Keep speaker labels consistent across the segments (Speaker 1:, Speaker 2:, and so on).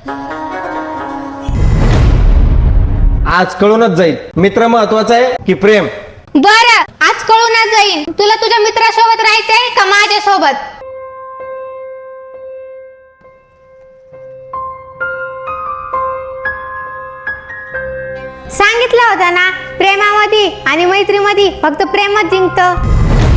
Speaker 1: आज कळूनच जाईल मित्र महत्वाचा आहे की प्रेम.
Speaker 2: बरं, आज कळूनच जाईन. तुला तुझ्या मित्रासोबत राहायचंय का माझ्यासोबत? सांगितलं होतं ना, प्रेमामध्ये आणि मैत्रीमध्ये फक्त प्रेमच जिंकतं.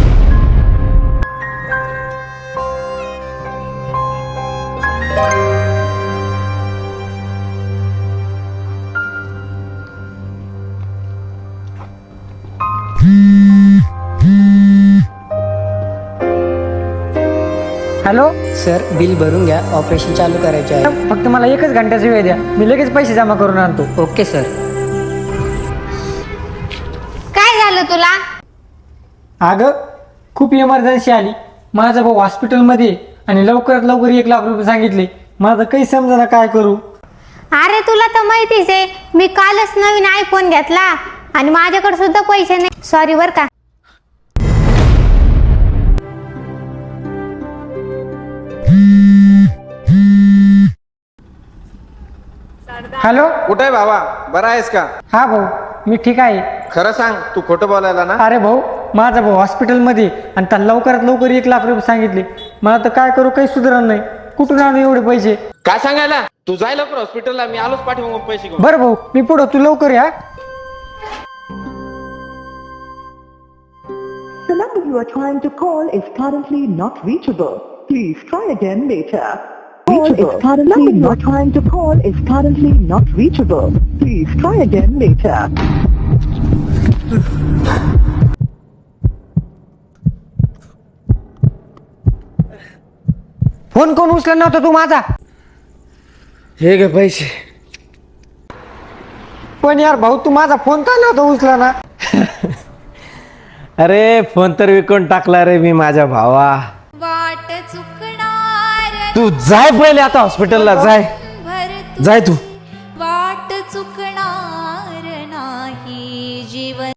Speaker 3: हॅलो
Speaker 4: सर, बिल भरून घ्या, ऑपरेशन चालू करायचे आहे.
Speaker 3: फक्त मला 1 घंट्याचा वेळ द्या, मी लगेच पैसे जमा करून आणतो.
Speaker 4: Okay sir.
Speaker 2: काय झालं तुला?
Speaker 3: अगं खूप इमर्जन्सी आली, माझा भाऊ हॉस्पिटलमध्ये आणि लवकरात लवकर 1 लाख रुपये सांगितले. मला तर काही समजा काय करू.
Speaker 2: अरे तुला तर माहितीच आहे, मी कालच नवीन आयफोन घेतला आणि माझ्याकडे सुद्धा पैसे नाही. सॉरी बर का.
Speaker 3: हॅलो,
Speaker 1: कुठे आहे भावा, बरा आहेस का?
Speaker 3: हा भाऊ, मी ठीक आहे.
Speaker 1: खरं सांग, तू खोटं बोलायला ना?
Speaker 3: अरे भाऊ, माझा भाऊ हॉस्पिटलमध्ये आणि त्याला लवकरात लवकर 1 लाख रुपये सांगितले. मला तर काय करू, काही सुधारण नाही. कुठून आणू एवढे पैसे?
Speaker 1: काय सांगायला? तू जाय लवकर हॉस्पिटलला, मी आलोच पाठवून पैसे घेऊन.
Speaker 3: बरं भाऊ, मी पुढं, तू लवकर या.
Speaker 5: The number you are trying to call is currently not reachable. Please try again later. Call is currently you are trying to call is currently not reachable. Please try again later.
Speaker 3: Phone कोण उचलला नव्हता तू माझा?
Speaker 1: हे गे पैसे.
Speaker 3: पण यार भाऊ, तू माझा फोन का नव्हता उचला ना?
Speaker 1: अरे फोन तर विकून टाकला रे मी माझ्या भावा.
Speaker 2: वाट चुकणार
Speaker 1: तू जाय पहिले आता हॉस्पिटलला, जाय जाय तू.